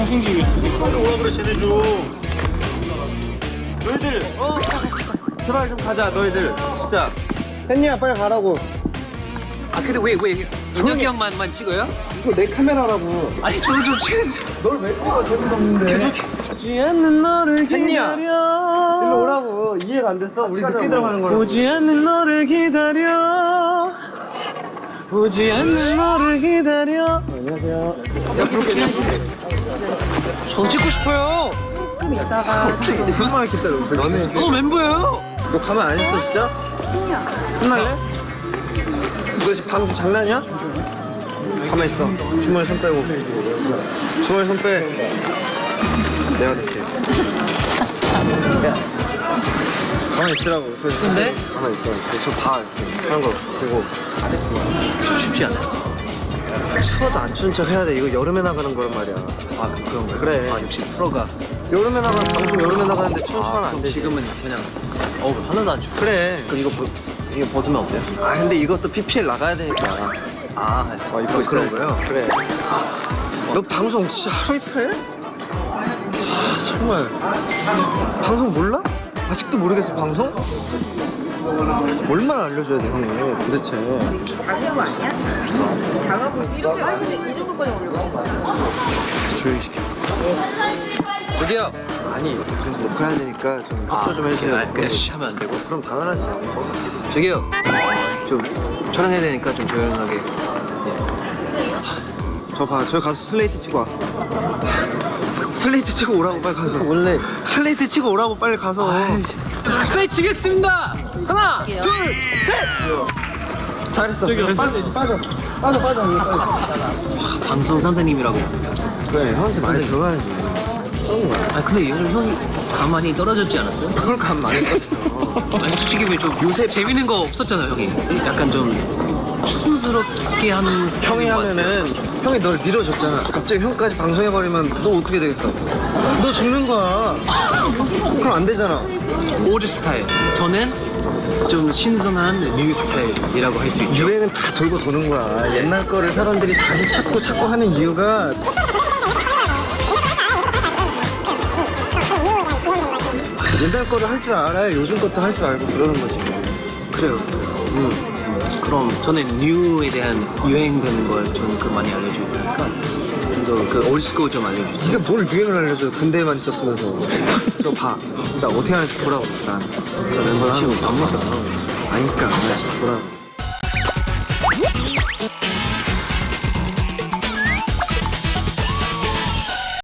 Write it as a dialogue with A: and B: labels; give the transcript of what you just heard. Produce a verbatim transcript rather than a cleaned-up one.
A: 잘생기게.
B: 빨리 오라 그래 쟤네 좀. 너희들 어 제발 좀 가자 너희들 진짜. 햇니야 빨리 가라고.
C: 아 근데 왜왜 준혁이 형만만 찍어요?
B: 이거 내 카메라라고.
C: 아니 저도 좀 찍으세요.
B: 널 왜 찍어 재미도 없는데.
A: 보지 않는 너를
B: 햇니야
A: 기다려.
B: 일로 오라고. 이해가 안 됐어? 우리 늦게 들어가는 거라고.
A: 보지 않는 너를 기다려. 보지 않는 너를 기다려. 안녕하세요.
B: 야 그렇게
C: 저 찍고 싶어요.
B: 얼마나 기다려. 너네
C: 어 멤버예요.
B: 너 가만 안 있어 진짜? 혼날래? 너 지금 방송 장난이야? 가만 있어. 주머니 손 빼고. 주머니 손 빼. 내가 이렇게. 가만히 있으라고.
C: 근데?
B: 가만히 있어. 저봐 이렇게 하는 거 보고.
C: 좀 쉽지 않아요.
B: 추워도 안 추운 척 해야 돼. 이거 여름에 나가는 거란 말이야.
C: 아 그런 거.
B: 그래.
C: 아 역시 프로가.
B: 여름에 나가는 방송 여름에 나가는데 추운 척 하면
C: 아
B: 안
C: 그럼
B: 되지.
C: 지금은 그냥 어 하나도 안 춥고.
B: 그래.
C: 그럼 이거 보, 이거 벗으면 어때요?
B: 아 근데 이것도 피피엘 나가야 되니까.
C: 아
B: 어,
C: 입고
B: 그런
C: 있어요.
B: 그래. 너 방송 진짜 하루 이틀 해? 아, 정말. 방송 몰라? 아직도 모르겠어, 방송? 얼마나 알려줘야 돼, 형이, 도대체.
D: 작은 거 아니야? 작아 이렇게 이 정도까지 올려.
B: 조용히 시켜.
C: 저기요.
B: 아니, 그래서 녹화해야 되니까 좀 협조 좀 해주세요.
C: 아, 그냥 씨 하면 안 되고.
B: 그럼 당연하지.
C: 저기요. 좀 촬영해야 되니까 좀 조용하게.
B: 저 봐, 저기 가서 슬레이트 치고 와. 슬레이트 치고 오라고, 빨리 가서.
C: 원래
B: 슬레이트 치고 오라고, 빨리 가서.
C: 슬레이 치겠습니다. 하나, 둘,
B: 잘했어. 저기 빠져, 빠져. 빠져, 빠져, 이거 빠져.
C: 방송 선생님이라고.
B: 그래, 형한테 많이 들어가야지. 썩은 거야.
C: 아 근데 요즘 형이 가만히 떨어졌지 않았어요?
B: 그걸 감 많이 떴어.
C: 아니 솔직히 왜 좀 요새 재밌는 거 없었잖아요 형이. 약간 좀 촌스럽게 하는
B: 형이 하면은 형이 널 밀어줬잖아. 갑자기 형까지 방송해버리면 너 어떻게 되겠어? 너 죽는 거야. 그럼 안 되잖아.
C: 올드 스타일. 저는 좀 신선한 뉴 스타일이라고 할 수 있죠.
B: 유행은 다 돌고 도는 거야. 옛날 거를 사람들이 다시 찾고 찾고 하는 이유가 옛날 거를 할 줄 알아야 요즘 것도 할 줄 알고 그러는 거지.
C: 그래요. 음. 그럼 저는 뉴에 대한 유행되는 걸 저는 그 많이 알려주고 그러니까 좀 그 올드스쿨 좀 알려주세요.
B: 네가 뭘 유행을 알려줘. 근대에만 있었으면서. 너 봐. 나 어떻게 하는지 보라고. 난. 저 멤버 하는 거 안 먹어. 아니까. 보라고.